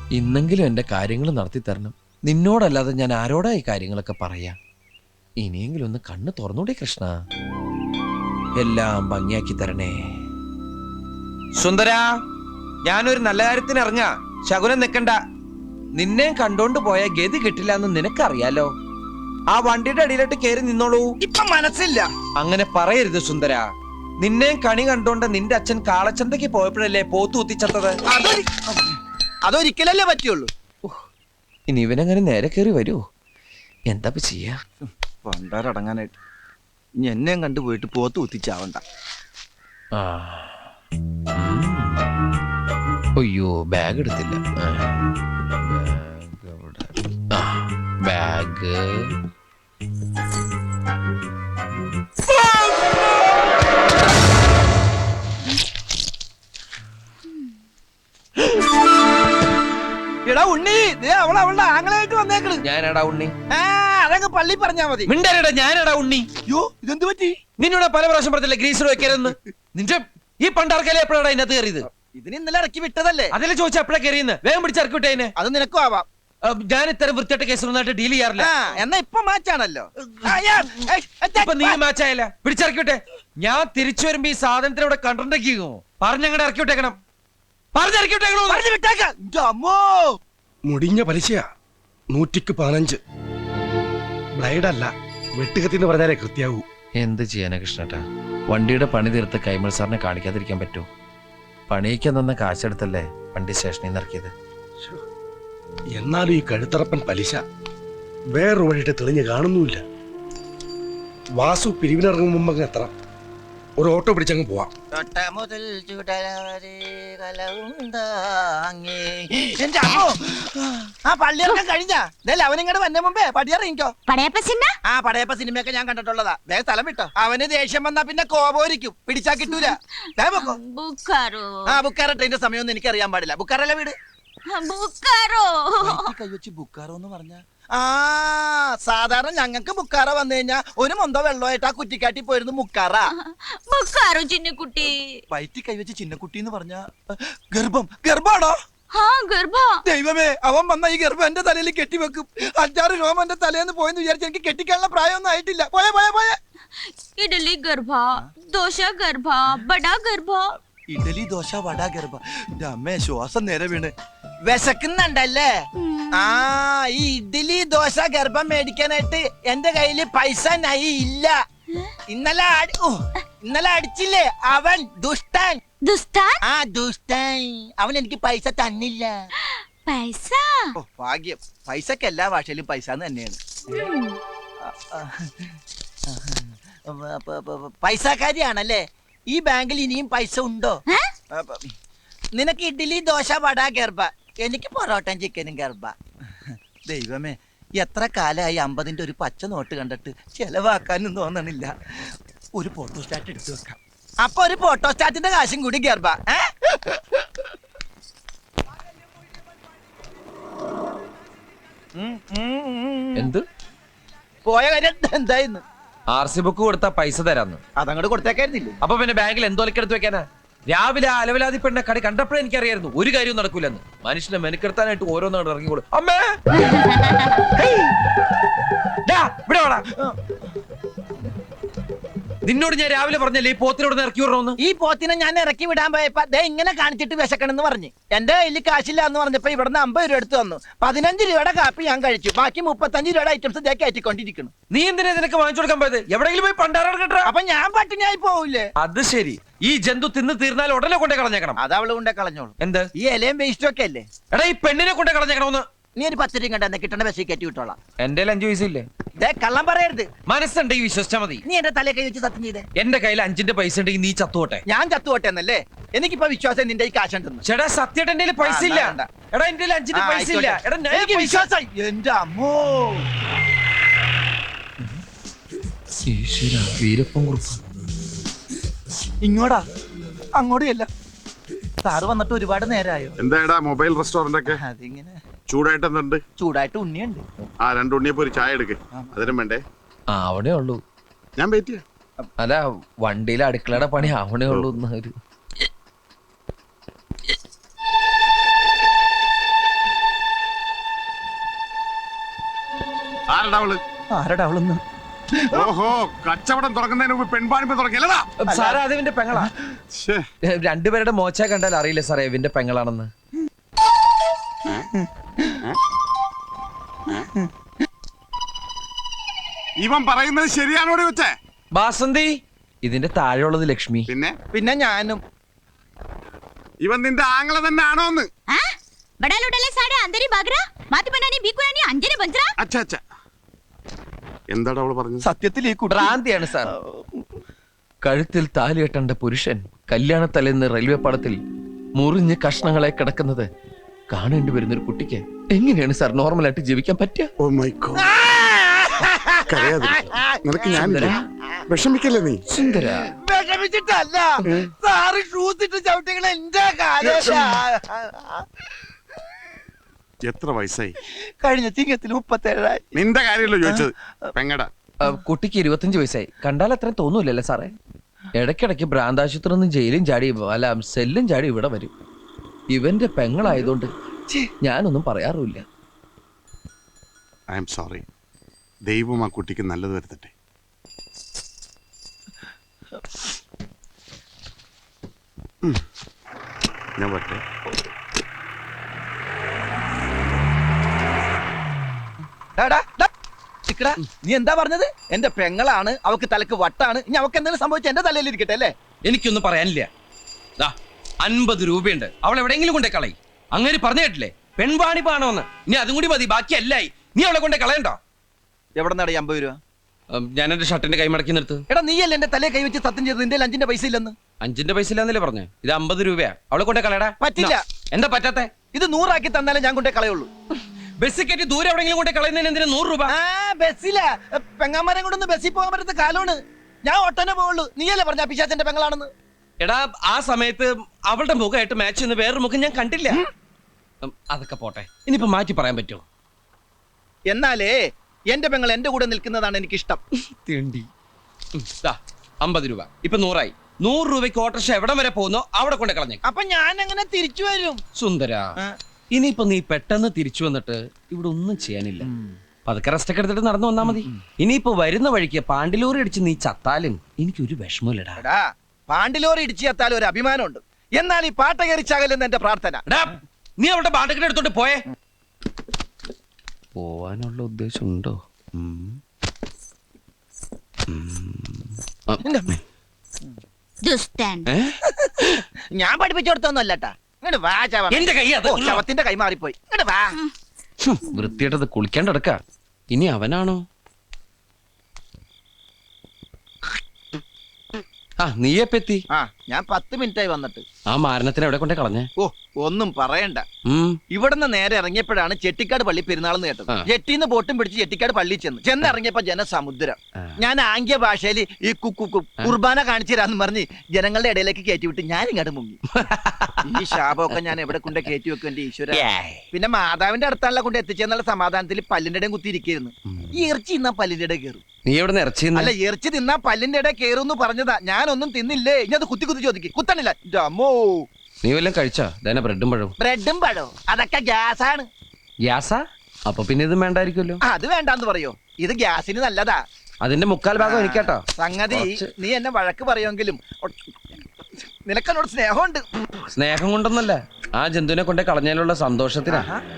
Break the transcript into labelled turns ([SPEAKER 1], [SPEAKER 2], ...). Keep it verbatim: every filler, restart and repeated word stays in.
[SPEAKER 1] ഇന്നെങ്കിലും എന്റെ കാര്യങ്ങൾ നടത്തി തരണം. നിന്നോടല്ലാതെ ഞാൻ ആരോടാ ഈ കാര്യങ്ങളൊക്കെ പറയാ? ഇനിയെങ്കിലും ഒന്ന് കണ്ണ് തുറന്നൂടെ കൃഷ്ണ? എല്ലാം ഭംഗിയാക്കി തരണേ. സുന്ദര, ഞാനൊരു നല്ല കാര്യത്തിന് ഇറങ്ങാ. ശകുനം നിക്കണ്ട. നിന്നെ കണ്ടോണ്ട് പോയ ഗതി കിട്ടില്ല എന്ന് നിനക്കറിയാലോ. ആ വണ്ടിയുടെ അടിയിലോട്ട് കയറി നിന്നോളൂ.
[SPEAKER 2] ഇപ്പൊ മനസ്സില്ല.
[SPEAKER 1] അങ്ങനെ പറയരുത് സുന്ദര. നിന്നെ കണി കണ്ടോണ്ട് നിന്റെ അച്ഛൻ കാളച്ചന്തയ്ക്ക് പോയപ്പോഴല്ലേ പോത്തു കുത്തിച്ചത്തത്?
[SPEAKER 2] അതൊരിക്കലല്ലേ പറ്റുള്ളൂ.
[SPEAKER 1] ഇനി ഇവനങ്ങനെ നേരെ കയറി വരുമോ? എന്താ ചെയ്യാ?
[SPEAKER 2] പണ്ടാരടങ്ങാനായിട്ട് ഇനി എന്നെയും കണ്ടുപോയിട്ട് പോത്ത് കുത്തിച്ചാവണ്ട.
[SPEAKER 1] ആ, അയ്യോ, ബാഗ് എടുത്തില്ല. ബാഗ് എവിടെ? ആ, ബാഗ്.
[SPEAKER 2] എടാ ഉണ്ണി, അവൾ അവളുടെ ആങ്ങളായിട്ട് വന്നേക്കണ്.
[SPEAKER 1] ഞാനടാ ഉണ്ണി.
[SPEAKER 2] ആ, അതങ്ങ് പള്ളി പറഞ്ഞാ മതി.
[SPEAKER 1] മിണ്ടരടാ, ഞാനടാ ഉണ്ണി.
[SPEAKER 2] യോ, ഇതെന്ത് പറ്റി?
[SPEAKER 1] നിന്നോട് പല പ്രാവശ്യം പറഞ്ഞില്ല ഗ്രീസർ വെക്കരുതെന്ന്. നിന്റെ ഈ പണ്ടാർക്കല്ലേ എപ്പോഴാണ് ഇതിനകത്ത് കയറിയത്?
[SPEAKER 2] ഇതിന് ഇന്നലെ ഇറക്കി വിട്ടതല്ലേ?
[SPEAKER 1] അതിലെ ചോദിച്ച എപ്പോഴാ കയറിയെന്ന്. വേഗം പിടിച്ചിറക്കി വിട്ടേനെ.
[SPEAKER 2] അത് നിനക്കും ആവാം.
[SPEAKER 1] ഞാൻ ഇത്തരം വൃത്തിയായിട്ട് കേസൊന്നായിട്ട് ഡീൽ ചെയ്യാറില്ല.
[SPEAKER 2] എന്നാ ഇപ്പൊ മാച്ചാണല്ലോ.
[SPEAKER 1] ഇപ്പൊ നീ മാച്ചായല്ല. പിടിച്ചിറക്കി വിട്ടെ. ഞാൻ തിരിച്ചു വരുമ്പോ ഈ സാധനത്തിന് ഇവിടെ കണ്ടിട്ടുണ്ടെങ്കിലോ പറഞ്ഞങ്ങടെ ഇറക്കി വിട്ടേക്കണം. പറഞ്ഞിറക്കി വിട്ടേക്കണോ?
[SPEAKER 3] മുടിഞ്ഞ പലിശയാ. നൂറ്റിക്ക് പതിനഞ്ച്. ബ്ലൈഡല്ല, വെട്ടുകത്തിന്ന് പറഞ്ഞാലേ കൃത്യാവൂ.
[SPEAKER 1] എന്ത് ചെയ്യാനാ കൃഷ്ണേട്ടാ? വണ്ടിയുടെ പണി തീർത്ത് കൈമൾ സാറിനെ കാണിക്കാതിരിക്കാൻ പറ്റൂ? പണിയിക്കാൻ തന്ന കാശെടുത്തല്ലേ വണ്ടി സ്റ്റേഷനിൽ നിന്ന് ഇറക്കിയത്.
[SPEAKER 3] എന്നാലും ഈ കഴുത്തറപ്പൻ പലിശ വേറൊരു വഴിയിട്ട് തെളിഞ്ഞ് കാണുന്നുമില്ല. വാസു പിരിവിനിറങ്ങും മുമ്പ് അങ്ങ് എത്തണം. ഒരു ഓട്ടോ പിടിച്ചങ്ങ് പോവാം.
[SPEAKER 2] ആ പള്ളിയിറക്കം കഴിഞ്ഞാ അവനിങ്ങോട്ട് വന്ന മുമ്പേ പടിയിറങ്ങിക്കോ.
[SPEAKER 4] പടയപ്പ സിനിമ?
[SPEAKER 2] ആ പടയപ്പ സിനിമയൊക്കെ ഞാൻ കണ്ടിട്ടുള്ളതാ. വേഗം സ്ഥലം വിട്ടോ. അവന് ദേഷ്യം വന്നാ പിന്നെ കോപോരിക്കും. പിടിച്ചാ കിട്ടൂല. ആ ബുക്കാറ ട്രെയിന്റെ സമയമൊന്നും എനിക്ക് അറിയാൻ പാടില്ല. ബുക്കാറല്ല വീട്. കൈവച്ച് ബുക്കാറോ എന്ന് പറഞ്ഞ ആ സാധാരണ ഞങ്ങൾക്ക് ബുക്കാറ വന്നു കഴിഞ്ഞാ ഒരു മൊന്തോ വെള്ളമായിട്ട് ആ കുറ്റിക്കാട്ടി പോയിരുന്നു മുക്കാറ.
[SPEAKER 4] ചിന്നക്കുട്ടി
[SPEAKER 2] വയറ്റി കൈവച്ച് ചിന്നക്കുട്ടി എന്ന് പറഞ്ഞ ഗർഭം. ഗർഭാണോ? ദൈവമേ, അവൻ വന്ന ഈ ഗർഭം എന്റെ തലയിൽ കെട്ടിവെക്കും. അഞ്ചാറ് രോമം എന്റെ തലേന്ന് പോയെന്ന് വിചാരിച്ചു. എനിക്ക് കെട്ടിക്കാനുള്ള പ്രായമൊന്നും ആയിട്ടില്ല. പോയെ പോയെ പോയെ
[SPEAKER 4] ഇഡലി ഗർഭ, ദോശ ഗർഭ, ബടാ ഗർഭ.
[SPEAKER 2] ഇഡലി ദോശ വട ഗർഭ. അമ്മേ, ശ്വാസം നേരെ വീണ്. വിശക്കുന്നുണ്ടല്ലേ? ആ, ഈ ഇഡ്ഡലി ദോശ ഗർഭം മേടിക്കാനായിട്ട് എന്റെ കയ്യില് പൈസ നൈ ഇല്ല. ഇന്നലെ ഇന്നലെ അടിച്ചില്ലേ അവൻ ദുഷ്ടൻ.
[SPEAKER 4] ദുഷ്ടൻ?
[SPEAKER 2] ആ ദുഷ്ടൻ. അവൻ എനിക്ക് പൈസ തന്നില്ല.
[SPEAKER 4] പൈസ?
[SPEAKER 2] ഓ ഭാഗ്യം. പൈസക്ക് എല്ലാ ഭാഷയിലും പൈസ തന്നെയാണ്. പൈസക്കാരിയാണല്ലേ? ഈ ബാങ്കിൽ ഇനിയും പൈസ ഉണ്ടോ? നിനക്ക് ഇഡ്ഡലി ദോശ വട ഗർഭ, എനിക്ക് പൊറോട്ടയും ചിക്കനും ഗർഭ. ദൈവമേ, എത്ര കാലമായി അമ്പതിന്റെ ഒരു പച്ച നോട്ട് കണ്ടിട്ട് ചെലവാക്കാനും തോന്നണില്ല. ഒരു ഫോട്ടോസ്റ്റാറ്റ് എടുത്തു വെക്കാം. അപ്പൊ ഒരു ഫോട്ടോസ്റ്റാറ്റിന്റെ കാശും കൂടി ഗർഭ.
[SPEAKER 1] എന്ത്
[SPEAKER 2] പോയ കാര്യം എന്തായിരുന്നു?
[SPEAKER 1] ആർ സി ബുക്ക് കൊടുത്താ പൈസ തരാന്ന്.
[SPEAKER 2] അതങ്ങോട്ട് കൊടുത്തേക്കായിരുന്നില്ലേ?
[SPEAKER 1] അപ്പൊ പിന്നെ ബാങ്കിൽ എന്തോലക്കെടുത്ത് വെക്കാനാ? രാവിലെ അലവലാതി പെണ്ണ കടി കണ്ടപ്പോഴേ എനിക്കറിയായിരുന്നു ഒരു കാര്യവും നടക്കൂലെന്ന്. മനുഷ്യനെ മെനക്കെടുത്താനായിട്ട് ഓരോന്നാണ് ഇറങ്ങിക്കോളൂ. അമ്മേ, ഇവിടെ വാടാ. നിന്നോട് ഞാൻ രാവിലെ പറഞ്ഞല്ലേ ഈ പോത്തിനോട് ഇറക്കി വിടണമെന്ന്.
[SPEAKER 2] ഈ പോത്തിനെ ഞാൻ ഇറക്കി വിടാൻ പോയപ്പോ ദേ ഇങ്ങനെ കാണിച്ചിട്ട് വിശക്കണെന്ന് പറഞ്ഞു. എന്റെ കയ്യിൽ കാശില്ല എന്ന് പറഞ്ഞപ്പോ ഇവിടുന്ന് അമ്പത് രൂപ എടുത്തു തന്നു. പതിനഞ്ച് രൂപയുടെ കാപ്പി ഞാൻ കഴിച്ചു. ബാക്കി മുപ്പത്തഞ്ച് രൂപയുടെ ഐറ്റംസ് ഇതേ കയറ്റിക്കൊണ്ടിരിക്കുന്നു.
[SPEAKER 1] നീ എന്തിനാ നിനക്ക് വാങ്ങിച്ചു കൊടുക്കാൻ പോയത്? എവിടെയെങ്കിലും പോയി പണ്ടാരം കേട്ടോ.
[SPEAKER 2] അപ്പൊ ഞാൻ പട്ടിണിയായി പോവില്ലേ?
[SPEAKER 1] അത് ശരി. ഈ ജന്തു തിന്ന് തീർന്നാൽ ഉടനെ കൊണ്ടേ കളഞ്ഞേക്കണം.
[SPEAKER 2] അത് അവള് കൊണ്ടേ കളഞ്ഞോളൂ.
[SPEAKER 1] എന്ത്?
[SPEAKER 2] ഈ ഇലയും വേസ്റ്റും ഒക്കെ അല്ലേ?
[SPEAKER 1] എടാ, ഈ പെണ്ണിനെ കൊണ്ടേ കളഞ്ഞേക്കണമെന്ന്.
[SPEAKER 2] നീ ഒരു പത്ത് രൂപ കണ്ടെന്ന് കിട്ടണ ബസ്സിൽ കയറ്റി വിട്ടോളാം.
[SPEAKER 1] എന്റെ അഞ്ചു പൈസ ഇല്ലേ?
[SPEAKER 2] കള്ളം പറയരുത്.
[SPEAKER 1] മനസ്സുണ്ടെങ്കിൽ വിശ്വസിച്ചാ മതി.
[SPEAKER 2] നീ എന്റെ തലേ കൈ വെച്ച് സത്യം ചെയ്തേ.
[SPEAKER 1] എന്റെ കയ്യിൽ അഞ്ചിന്റെ പൈസ ഉണ്ടെങ്കിൽ നീ ചത്തുപോട്ടെ.
[SPEAKER 2] ഞാൻ ചത്തുപോട്ടെ എന്നല്ലേ? എനിക്കിപ്പോ വിശ്വാസം നിന്റെ ഈ കാശുണ്ടെന്ന്.
[SPEAKER 1] ചേട്ടാ, സത്യമായിട്ട് എന്റെ പൈസ ഇല്ല. എടാ, എന്റെ അഞ്ചിന്റെ പൈസ ഇല്ല. എടാ,
[SPEAKER 2] എനിക്ക് വിശ്വാസം. എന്റെ അമ്മോ,
[SPEAKER 1] വീരപ്പൻ കുറുപ്പ്
[SPEAKER 2] ഇങ്ങോടാ, അങ്ങോട്ടും. സാറ് വന്നിട്ട് ഒരുപാട് നേരമായോ?
[SPEAKER 5] എന്താ മൊബൈൽ റെസ്റ്റോറന്റ് ഒക്കെ
[SPEAKER 2] അതിങ്ങനെ
[SPEAKER 5] ചൂടായിട്ട് എന്തുണ്ട്?
[SPEAKER 2] ചൂടായിട്ട് ഉണ്ണിയുണ്ട്.
[SPEAKER 5] ആ രണ്ട് ഉണ്ണിയപ്പോ ഒരു ചായ എടുക്ക്. അതിനും വേണ്ടേ?
[SPEAKER 1] ആ, അവിടെ ഉള്ളൂ.
[SPEAKER 5] ഞാൻ വെയിറ്റ് ചെയ്യാം.
[SPEAKER 1] അല്ല, വണ്ടിയിലെ അടുക്കളയുടെ പണി അവിടെ ഉള്ളൂ.
[SPEAKER 5] ആരടാ അവള്
[SPEAKER 2] ആരടാ അവളൊന്ന്
[SPEAKER 5] ഓഹോ കച്ചവടം തുടങ്ങുന്നതിന് മുമ്പ് പെൺപാണിപ്പ് തുടങ്ങിയല്ലടാ
[SPEAKER 1] സാറേ അത് ഇവന്റെ പെങ്ങളാ.
[SPEAKER 5] ശ്ശേ,
[SPEAKER 1] ഏ, രണ്ടുപേരുടെ മോച്ച കണ്ടാൽ അറിയില്ല സാറേ ഇവന്റെ പെങ്ങളാണെന്ന്.
[SPEAKER 5] ഇവൻ പറയുന്നത് ശരിയാണോടി വെച്ചേ?
[SPEAKER 1] ബാസന്തി ഇതിന്റെ താഴെയുള്ളത് ലക്ഷ്മി.
[SPEAKER 5] പിന്നെ
[SPEAKER 2] പിന്നെ ഞാനും.
[SPEAKER 5] ഇവൻ നിന്റെ ആങ്ങള തന്നെ ആണോന്ന്?
[SPEAKER 4] हाँ? बड़ा लोटले साड़े अंदर ही भाग रहा माती बनानी बीकुरानी अंजने बंज रहा
[SPEAKER 5] അച്ഛ അച്ഛ എന്താടാ അവള് പറഞ്ഞത്?
[SPEAKER 2] സത്യത്തിൽ ഈ കുട്ടി
[SPEAKER 1] ഭ്രാന്തിയാണ് സാർ. കഴുത്തിൽ താലി കെട്ടേണ്ട പുരുഷൻ കല്യാണത്തലേന്ന് റെയിൽവേ പാളത്തിൽ മുറിഞ്ഞ് കഷ്ണങ്ങളെ കിടക്കുന്നത് കാണേണ്ടി വരുന്ന ഒരു കുട്ടിക്ക് എങ്ങനെയാണ് സാർ നോർമലായിട്ട് ജീവിക്കാൻ പറ്റുക?
[SPEAKER 5] Oh my God. കരയാതിരിക്ക്. നിനക്ക് ഞാനില്ല. വിഷമിക്കല്ലേ നീ?
[SPEAKER 1] സുന്ദര
[SPEAKER 2] വിഷമിച്ചിട്ടല്ല സാറ് ഷൂസ് ഇട്ട് ചവിട്ടികളെ എന്റെ കാലേശാ.
[SPEAKER 5] എത്ര വയസ്സായി?
[SPEAKER 2] കഴിഞ്ഞ ചിങ്ങത്തിൽ മുപ്പത്തേഴായി.
[SPEAKER 5] നിന്റെ കാര്യമല്ലോ ചോദിച്ചത്. പെങ്ങടാ.
[SPEAKER 1] ആ, കുട്ടിക്ക് ഇരുപത്തഞ്ച് വയസ്സായി. കണ്ടാൽ അത്രയും തോന്നൂലല്ലേ സാറേ? ഇടയ്ക്കിടയ്ക്ക് ഭ്രാന്താശുപത്രി നിന്ന് ജയിലും ചാടി അല്ല സെല്ലും ചാടി ഇവിടെ വരും. ഇവന്റെ പെങ്ങളായതുകൊണ്ട് ഞാനൊന്നും പറയാറുമില്ല.
[SPEAKER 5] I am sorry. ദൈവം ആ കുട്ടിക്ക് നല്ലത് വരുത്തട്ടെ. ഉം. ഞാൻ പറ്റേ.
[SPEAKER 2] ഡാ, ഡാ, നിക്കടാ. നീ എന്താ പറഞ്ഞത്? എന്റെ പെങ്ങളാണ്, അവക്ക് തലക്ക് വട്ടാണ്. ഇനി അവക്ക് എന്തെങ്കിലും സംഭവിച്ച എന്റെ തലയിൽ ഇരിക്കട്ടെ അല്ലേ?
[SPEAKER 1] എനിക്കൊന്നും പറയാനില്ല. ദാ, അൻപത് രൂപയുണ്ട്, അവൾ എവിടെയെങ്കിലും കൊണ്ടേ കളയി. അങ്ങനെ പറഞ്ഞു കേട്ടില്ലേ പെൺവാണിപ്പാണോന്ന്? ഇനി അതും കൂടി മതി, ബാക്കി അല്ലായി. നീ അവളെ കൊണ്ടേ കളയണ്ടോ?
[SPEAKER 2] എവിടെ നടാ അമ്പത് രൂപ?
[SPEAKER 1] ഉം, ഞാൻ എന്റെ ഷർട്ടിന്റെ കൈ മടക്കി നിർത്ത്.
[SPEAKER 2] എടാ നീയല്ലേ എന്റെ തലയെ കൈവച്ച് സത്യം ചെയ്തത് നിന്റെ അഞ്ചിന്റെ പൈസ ഇല്ലെന്ന്?
[SPEAKER 1] അഞ്ചിന്റെ പൈസ ഇല്ലാന്നല്ലേ പറഞ്ഞേ? ഇത് അമ്പത് രൂപയാ. അവളെ കൊണ്ടേ കളയടാ.
[SPEAKER 2] പറ്റില്ല.
[SPEAKER 1] നാ, എന്താ പറ്റാത്തെ?
[SPEAKER 2] ഇത് നൂറാക്കി തന്നാലേ ഞാൻ കൊണ്ടേ കളയുള്ളൂ.
[SPEAKER 1] ബസ് കയറ്റി ദൂരെ എവിടെയെങ്കിലും കൊണ്ടേ കളയുന്നതിന് എന്തിനാ നൂറ് രൂപ?
[SPEAKER 2] ആ ബസ്സിലാ പെങ്ങാമാരെ കൊണ്ടൊന്ന് ബസ്സിൽ പോകാൻ പറ്റുന്ന കാലമാണ്. ഞാൻ ഒട്ടനെ പോവുള്ളൂ. നീയല്ലേ പറഞ്ഞ പിശാചന്റെ പെങ്ങളാണെന്ന്?
[SPEAKER 1] എടാ ആ സമയത്ത് അവളുടെ മുഖമായിട്ട് മാച്ച് ചെയ്യുന്ന വേറൊരു മുഖം ഞാൻ കണ്ടില്ല. ഉം, അതൊക്കെ പോട്ടെ, ഇനിയിപ്പോ മാറ്റി പറയാൻ പറ്റുമോ?
[SPEAKER 2] എന്നാലേ എന്റെ പെങ്ങൾ എന്റെ കൂടെ നിൽക്കുന്നതാണ് എനിക്കിഷ്ടം.
[SPEAKER 1] തിണ്ടി. ഉം, ദാ, അമ്പത് രൂപ ഇപ്പൊ നൂറായി. നൂറ് രൂപയ്ക്ക് ഓട്ടർഷ എവിടം വരെ പോകുന്നോ അവിടെ കൊണ്ട് കളഞ്ഞേ.
[SPEAKER 2] അപ്പൊ ഞാൻ അങ്ങനെ തിരിച്ചു വരും.
[SPEAKER 1] സുന്ദര,
[SPEAKER 2] ആ.
[SPEAKER 1] ഇനിയിപ്പോ നീ പെട്ടെന്ന് തിരിച്ചു വന്നിട്ട് ഇവിടെ ഒന്നും ചെയ്യാനില്ല. പതുക്കെ റെസ്റ്റ് ഒക്കെ എടുത്തിട്ട് നടന്നു വന്നാ മതി. ഇനിയിപ്പോ വരുന്ന വഴിക്ക് പാണ്ടിലൂറി അടിച്ച് നീ ചത്താലും എനിക്കൊരു വിഷമമില്ലടാ.
[SPEAKER 2] എടാ പാണ്ടിലോറി ഇടിച്ചു എത്താലും ഒരു അഭിമാനമുണ്ട്. എന്നാൽ ഈ പാട്ട കയറിച്ചാകലെന്ന് എന്റെ പ്രാർത്ഥന.
[SPEAKER 1] എടാ, നീ അവളുടെ പാണ്ടക്കിടെ എടുത്തോണ്ട് പോയേ. പോവാനുള്ള ഉദ്ദേശം ഉണ്ടോ?
[SPEAKER 4] दुष्टन
[SPEAKER 2] ഞാൻ പഠിപ്പിച്ചു കൊടുത്തൊന്നും അല്ലട്ടാ. ഇങ്ങോട്ട് വാ ചവ.
[SPEAKER 1] എന്റെ കൈ അത്
[SPEAKER 2] ഓ, ശവത്തിന്റെ കൈ മാറിപ്പോയി. ഇങ്ങോട്ട് വാ.
[SPEAKER 1] വൃത്തിയായിട്ടത് കുളിക്കാണ്ട് കിടക്ക. ഇനി അവനാണോ? ആ നീയെപ്പെത്തി?
[SPEAKER 2] ആ ഞാൻ പത്ത് മിനിറ്റ് ആയി വന്നിട്ട്.
[SPEAKER 1] ആ മാരണത്തിന് എവിടെ കൊണ്ടേ കളഞ്ഞേ?
[SPEAKER 2] ഓ ഒന്നും പറയണ്ട.
[SPEAKER 1] ഉം.
[SPEAKER 2] ഇവിടുന്ന് നേരെ ഇറങ്ങിയപ്പോഴാണ് ചെട്ടിക്കാട് പള്ളി പെരുന്നാളെന്ന് കേട്ടത്.
[SPEAKER 1] ആ.
[SPEAKER 2] ജെട്ടിന്ന് ബോട്ടും പിടിച്ച് ചെട്ടിക്കാട് പള്ളി ചെന്ന് ചെന്ന് ഇറങ്ങിയപ്പോ ജനസമുദ്രം.
[SPEAKER 1] ആ.
[SPEAKER 2] ഞാൻ ആംഗ്യ ഭാഷയിൽ ഈ കുക്കു കു- കുർബാന കാണിച്ചു തരാന്ന് പറഞ്ഞ് ജനങ്ങളുടെ ഇടയിലേക്ക് കയറ്റി വിട്ട് ഞാൻ ഇങ്ങോട്ട് മുങ്ങി. ഈ ശാപമൊക്കെ ഞാൻ എവിടെ കൊണ്ട് കയറ്റി വെക്കും എന്റെ ഈശ്വര. പിന്നെ മാതാവിന്റെ അടുത്താണല്ലോ കൊണ്ട് എത്തിച്ചെന്നുള്ള സമാധാനത്തിൽ പല്ലിന്റെ ഇടയും കുത്തിയിരിക്കുന്നു. ഈ ഇറച്ചി തിന്നാ പല്ലിന്റെ ഇടയിൽ കയറും.
[SPEAKER 1] നീ എവിടെ ഇറച്ചി
[SPEAKER 2] അല്ല ഇറച്ചി തിന്നാ പല്ലിന്റെ ഇടയിൽ കയറും പറഞ്ഞതാ. ഞാനൊന്നും തിന്നില്ലേ. ഇനി അത് കുത്തി കുത്തി ചോദിക്കും. കുത്തണില്ല. അമ്മോ
[SPEAKER 1] നീ വല്ലതും കഴിച്ചാ? ഇതന്നെ ബ്രെഡും പഴവും.
[SPEAKER 2] ബ്രെഡും പഴവും അതൊക്കെ ഗ്യാസാണ്.
[SPEAKER 1] ഗ്യാസാ? അപ്പൊ പിന്നെ ഇത് വേണ്ടായിരിക്കുമല്ലോ.
[SPEAKER 2] അത് വേണ്ടാന്ന് പറയോ? ഇത് ഗ്യാസിന് നല്ലതാ.
[SPEAKER 1] അതിന്റെ മുക്കാൽ ഭാഗം എനിക്കാട്ടോ.
[SPEAKER 2] സംഗതി
[SPEAKER 1] കുറച്ച്.
[SPEAKER 2] നീ എന്നെ വഴക്ക് പറയുമെങ്കിലും നിനക്കെന്നോട് സ്നേഹമുണ്ട്.
[SPEAKER 1] സ്നേഹം കൊണ്ടൊന്നല്ല, ആ ജന്തുവിനെ കൊണ്ടേ കളഞ്ഞാലുള്ള സന്തോഷത്തിനാ.